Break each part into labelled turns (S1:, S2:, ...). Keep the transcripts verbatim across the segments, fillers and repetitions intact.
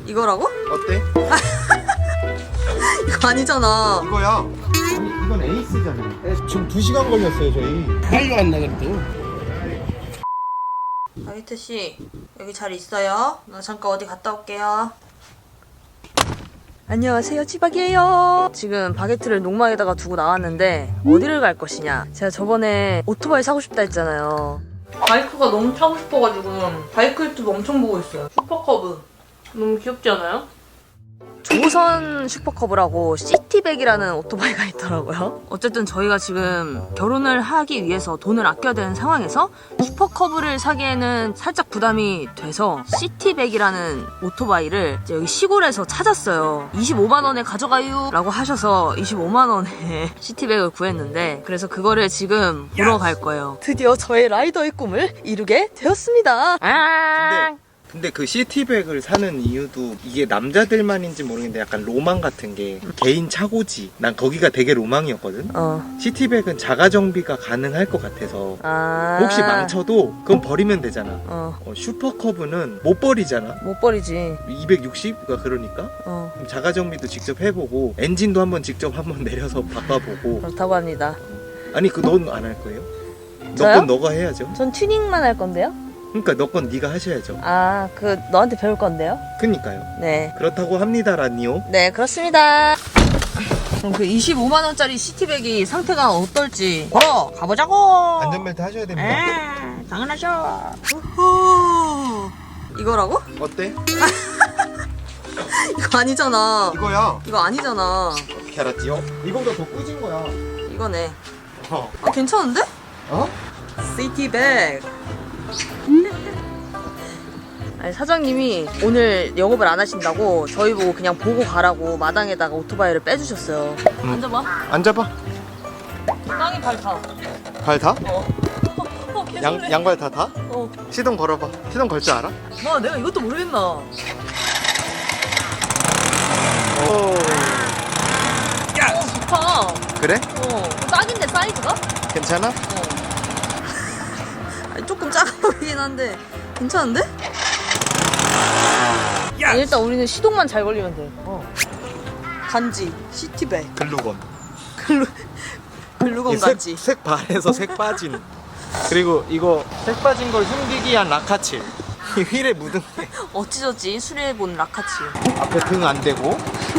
S1: 이거라고?
S2: 어때?
S1: 이거 아니잖아.
S2: 이거야. 아니 이건 에이스잖아. 지금 두 시간 걸렸어요 저희.
S3: 빨리 왔나 그래도.
S1: 바게트 씨 여기 잘 있어요? 나 잠깐 어디 갔다 올게요. 안녕하세요, 찌박이에요. 지금 바게트를 농막에다가 두고 나왔는데 어디를 갈 것이냐. 제가 저번에 오토바이 사고 싶다 했잖아요. 바이크가 너무 타고 싶어가지고 바이크 유튜브 엄청 보고 있어요. 슈퍼커브 너무 귀엽지 않아요? 조선 슈퍼커브라고 시티백이라는 오토바이가 있더라고요. 어쨌든 저희가 지금 결혼을 하기 위해서 돈을 아껴야 되는 상황에서 슈퍼커브를 사기에는 살짝 부담이 돼서 시티백이라는 오토바이를 이제 여기 시골에서 찾았어요. 이십오만 원에 가져가요 라고 하셔서 이십오만 원에 시티백을 구했는데, 그래서 그거를 지금 보러 갈 거예요. 드디어 저의 라이더의 꿈을 이루게 되었습니다. 아
S2: 근데 그 시티백을 사는 이유도 이게 남자들만인지 모르겠는데 약간 로망 같은 게 개인 차고지. 난 거기가 되게 로망이었거든.
S1: 어.
S2: 시티백은 자가 정비가 가능할 것 같아서
S1: 아
S2: 혹시 망쳐도 그건 버리면 되잖아.
S1: 어.
S2: 어, 슈퍼커브는 못 버리잖아.
S1: 못 버리지.
S2: 이백육십? 그러니까
S1: 어.
S2: 그럼 자가 정비도 직접 해보고 엔진도 한번 직접 한번 내려서 바꿔보고.
S1: 그렇다고 합니다.
S2: 아니 그 넌 안 할 거예요? 너
S1: 저요?
S2: 건 너가 해야죠.
S1: 전 튜닝만 할 건데요?
S2: 그러니까 너 건 네가 하셔야죠.
S1: 아, 그 너한테 배울 건데요?
S2: 그니까요.
S1: 네.
S2: 그렇다고 합니다라니요.
S1: 네, 그렇습니다. 그럼 그 이십오만 원짜리 시티백이 상태가 어떨지 보러 가보자고.
S2: 안전벨트 하셔야 됩니다.
S1: 에, 당연하죠. 우후. 이거라고?
S2: 어때?
S1: 이거 아니잖아.
S2: 이거야.
S1: 이거 아니잖아.
S2: 어떻게 알았지요? 이거보다 더 꾸진 거야.
S1: 이거네.
S2: 어?
S1: 아, 괜찮은데?
S2: 어?
S1: 시티백. 아니, 사장님이 오늘 영업을 안 하신다고 저희 보고 그냥 보고 가라고 마당에다가 오토바이를 빼주셨어요.
S2: 음.
S1: 앉아봐.
S2: 앉아봐.
S1: 땅에 발 타.
S2: 발 다?
S1: 어. 어, 개설레.
S2: 양, 양발 다 다?
S1: 어.
S2: 시동 걸어봐. 시동 걸 줄 알아?
S1: 와, 내가 이것도 모르겠나.
S2: 오.
S1: 야, 어, 좋다.
S2: 그래?
S1: 어, 딱인데 사이즈가?
S2: 괜찮아?
S1: 어. 아니, 조금 작아 보이긴 한데 괜찮은데? 아니, 일단 우리는 시동만 잘 걸리면 돼. 어. 간지, 시티백,
S2: 글루건.
S1: 글루, 글루건
S2: 이 색,
S1: 간지.
S2: 색 발에서 색 빠진. 그리고 이거 색 빠진 걸 숨기기 위한 라카칠. 이 휠에 묻은 게
S1: 어찌저찌 수리해본 라카치.
S2: 앞에 등 안 대고.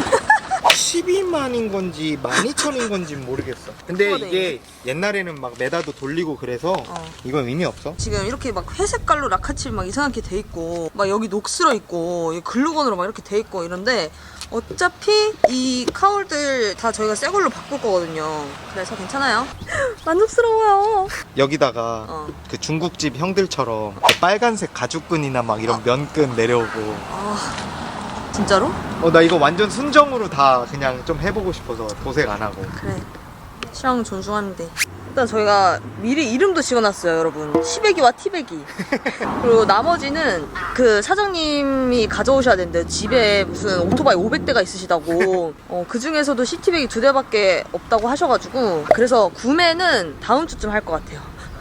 S2: 십이만인 건지 만 이천인 건지 모르겠어. 근데
S1: 그거네.
S2: 이게 옛날에는 막 메다도 돌리고 그래서
S1: 어.
S2: 이건 의미 없어.
S1: 지금 이렇게 막 회색깔로 라카칠 막 이상하게 돼 있고 막 여기 녹슬어 있고 이 글루건으로 막 이렇게 돼 있고 이런데 어차피 이 카울들 다 저희가 새 걸로 바꿀 거거든요. 그래서 괜찮아요. 만족스러워요.
S2: 여기다가
S1: 어.
S2: 그 중국집 형들처럼 그 빨간색 가죽끈이나 막 이런 면끈 내려오고.
S1: 아 진짜로?
S2: 어 나 이거 완전 순정으로 다 그냥 좀 해보고 싶어서 도색 안 하고.
S1: 그래. 취향 존중하는데. 일단 저희가 미리 이름도 지어놨어요, 여러분. 시베기와 티베기. 그리고 나머지는 그 사장님이 가져오셔야 된대요. 집에 무슨 오토바이 오백 대가 있으시다고. 어, 그 중에서도 시티백이 두 대밖에 없다고 하셔가지고. 그래서 구매는 다음 주쯤 할 것 같아요.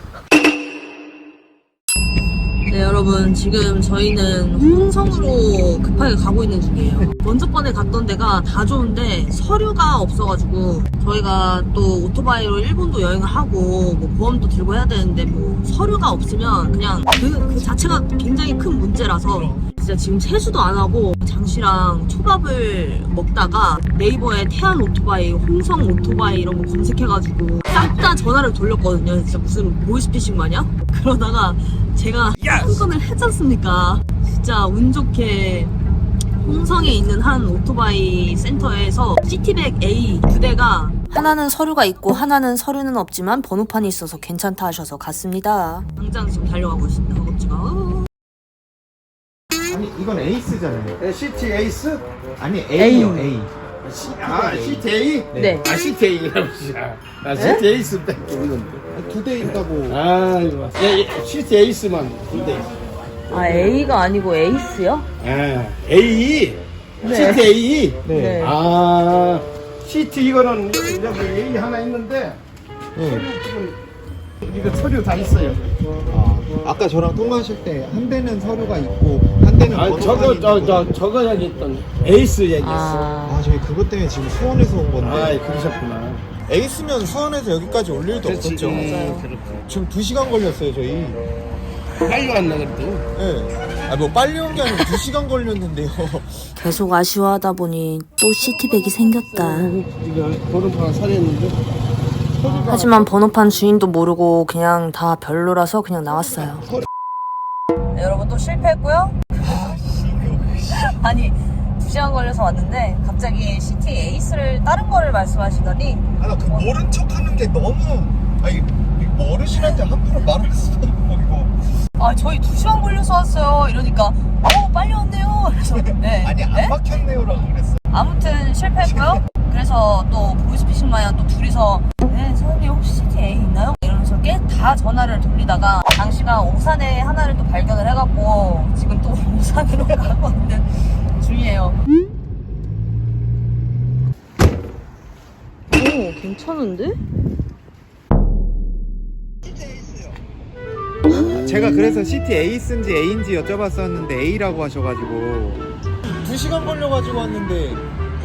S1: 네, 여러분, 지금 저희는 홍성으로 급하게 가고 있는 중이에요. 먼저 번에 갔던 데가 다 좋은데 서류가 없어가지고 저희가 또 오토바이로 일본도 여행을 하고 뭐 보험도 들고 해야 되는데 뭐 서류가 없으면 그냥 그, 그 자체가 굉장히 큰 문제라서 진짜 지금 세수도 안 하고 장씨랑 초밥을 먹다가 네이버에 태안 오토바이, 홍성 오토바이 이런 거 검색해가지고 싹 다 전화를 돌렸거든요. 진짜 무슨 보이스피싱 마냥? 그러다가 제가 한 건을 했지 않습니까? 진짜 운 좋게 홍성에 있는 한 오토바이 센터에서 시티백 에이 두 대가 하나는 서류가 있고 하나는 서류는 없지만 번호판이 있어서 괜찮다 하셔서 갔습니다. 당장 지금 달려가고 있습니다. 허겁지가.
S2: 아니 이건 에이스잖아요.
S3: 네, 시티 에이스?
S2: 아니 A요
S1: A.
S2: A.
S3: 아, 시티 A?
S1: 네.
S3: 아, 시티 A라고 시야. 아, 시티 에이스밖에 없는데.
S2: 두 대 있다고.
S3: 아, 이거. 예, 예, 시티 에이스만 두 대.
S1: 아 A가 아니고 에이스요?
S3: 아, A.
S1: 네.
S3: 시티 A.
S1: 네.
S3: 아, 시티 이거는 여기, 여기 A 하나 있는데
S2: 네.
S3: 지금 이거 서류 다 있어요.
S2: 아, 아까 저랑 통화하실 때 한 대는 서류가 있고 한 다른 데는
S3: 아 저거 저 저 저거 얘기했던 에이스 얘기했어.
S1: 아,
S2: 아 저희 그것 때문에 지금 수원에서 온 건데.
S3: 아, 그러셨구나.
S2: 에이스면 수원에서 여기까지 올 일도 없었죠.
S3: 맞아요. 그렇죠.
S2: 지금 두 시간 걸렸어요 저희.
S3: 빨리 왔나 그래도.
S2: 네. 아뭐 빨리 온 게 아니고 두 시간 걸렸는데요.
S1: 계속 아쉬워하다 보니 또 시티백이 생겼다.
S3: 이거 보름판 살했는데.
S1: 하지만 번호판 주인도 모르고 그냥 다 별로라서 그냥 나왔어요. 네, 여러분 또 실패했고요. 아니 두 시간 걸려서 왔는데 갑자기 시티 에이스를 다른 거를 말씀하시더니
S2: 아나 그 모른 척하는 게 너무 아니 뭐 어르신한테 함부로 말할 수도 없고 이거.
S1: 아 저희 두 시간 걸려서 왔어요 이러니까 어 빨리 왔네요. 그래서 네?
S2: 아니 안
S1: 네?
S2: 막혔네요라고 그랬어.
S1: 아무튼 실패했고요. 그래서 또 보이스피싱 마냥 또 둘이서 네 사장님 혹시 시티 A 있나요? 이러면서 꽤 다 전화를 돌리다가 당시가 오산에 하나를 또 발견을 해갖고 지금 또 오산으로 가고 있는 중이에요. 오 괜찮은데?
S2: 제가 그래서 시티 에이스인지 A인지 여쭤봤었는데 A라고 하셔가지고 두 시간 걸려가지고 왔는데.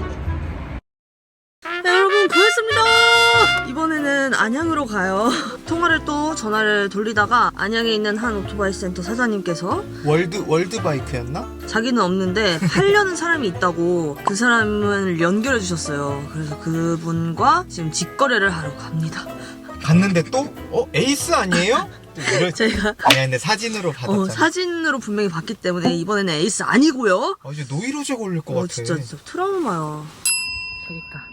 S1: 네, 여러분 구했습니다. 이번에는 안양으로 가요. 통화를 또 전화를 돌리다가 안양에 있는 한 오토바이 센터 사장님께서
S2: 월드 월드 바이크였나?
S1: 자기는 없는데 팔려는 사람이 있다고 그 사람을 연결해 주셨어요. 그래서 그분과 지금 직거래를 하러 갑니다.
S2: 갔는데 또? 어 에이스 아니에요? 이럴...
S1: 제가
S2: 아니 근데 사진으로 받았잖아.
S1: 어, 사진으로 분명히 봤기 때문에 이번에는 에이스 아니고요.
S2: 아 이제 노이로제 걸릴 것
S1: 어,
S2: 같아.
S1: 진짜 진짜 트라우마야. 저기 있다.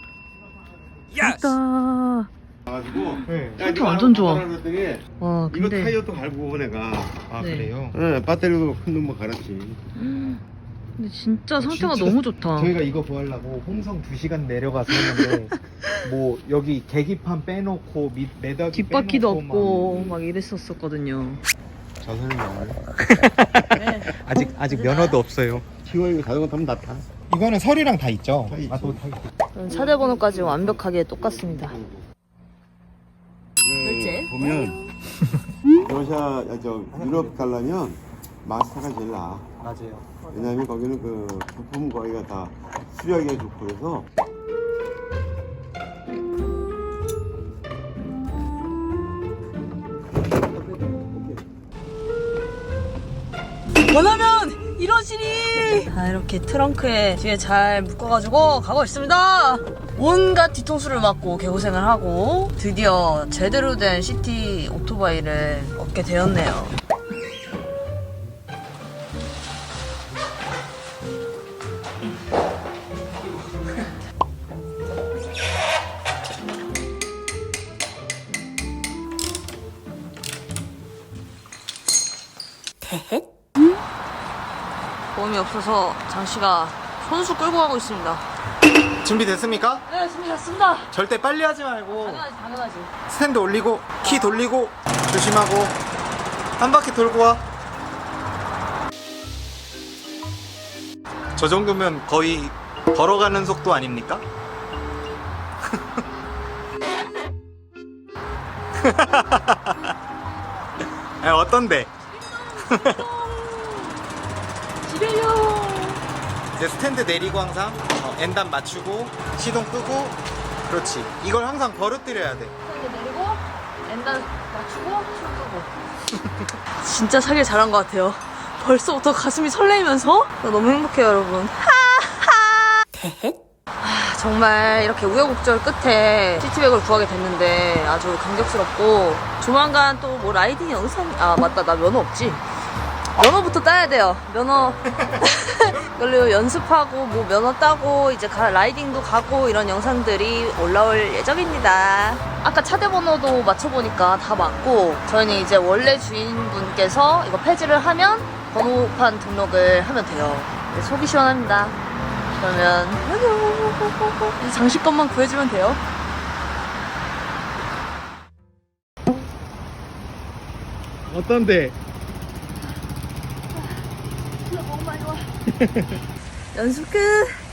S1: 있다.
S3: 가지고.
S2: 네.
S1: 상태 완전 좋아.
S3: 그랬더니
S1: 와
S3: 이거
S1: 근데
S3: 타이어도 갈고 내가.
S2: 아
S1: 네.
S2: 그래요?
S3: 응, 배터리도 큰 놈만 갈았지.
S1: 근데 진짜 상태가
S2: 진짜
S1: 너무 좋다.
S2: 저희가 이거 구하려고 홍성 두 시간 내려가서 했는데 뭐 여기 계기판 빼놓고 밑 매덕이
S1: 뒷바퀴도
S2: 빼놓고
S1: 없고 막 이랬었었거든요.
S2: 저설명.
S1: 네.
S2: 아직 아직 면허도 없어요.
S3: 지워 이거 자전거 타면 다 타.
S2: 이거는 서류랑 다 있죠?
S3: 다 있지.
S2: 아, 또 다 있죠.
S1: 차대 번호까지 완벽하게 똑같습니다. 결제.
S3: 보면 러시아, 아, 저 유럽 가려면 마스터가 제일 나아.
S2: 맞아요.
S3: 왜냐면 거기는 그 부품 거기가 다 수리하기가 좋고 그래서.
S1: 원하면 이러시니. 자 이렇게 트렁크에 뒤에 잘 묶어가지고 가고 있습니다. 온갖 뒤통수를 맞고 개고생을 하고 드디어 제대로 된 시티 오토바이를 얻게 되었네요. 보험이 없어서 장씨가 손수 끌고 가고 있습니다.
S2: 준비됐습니까?
S1: 네, 준비됐습니다.
S2: 절대 빨리 하지 말고
S1: 당연하지, 당연하지.
S2: 스탠드 올리고 키 돌리고 조심하고 한 바퀴 돌고 와. 저 정도면 거의 걸어가는 속도 아닙니까? 아, 어떤데?
S1: 집에요.
S2: 이제 스탠드 내리고 항상 어, 엔단 맞추고 시동 끄고 그렇지. 이걸 항상 버릇들여야 돼.
S1: 이렇게 내리고 엔단 맞추고 춤 끄고. 진짜 사길 잘한 것 같아요. 벌써부터 가슴이 설레면서 너무 행복해요, 여러분. 아, 정말 이렇게 우여곡절 끝에 시티백을 구하게 됐는데 아주 감격스럽고 조만간 또 뭐 라이딩 영상 아 맞다 나 면허 없지. 면허부터 따야 돼요. 면허 그리고 연습하고 뭐 면허 따고 이제 가, 라이딩도 가고 이런 영상들이 올라올 예정입니다. 아까 차대 번호도 맞춰보니까 다 맞고 저희는 이제 원래 주인분께서 이거 폐지를 하면 번호판 등록을 하면 돼요. 네, 속이 시원합니다. 그러면 이제 장식권만 구해주면 돼요.
S2: 어떤데?
S1: 연습 끝!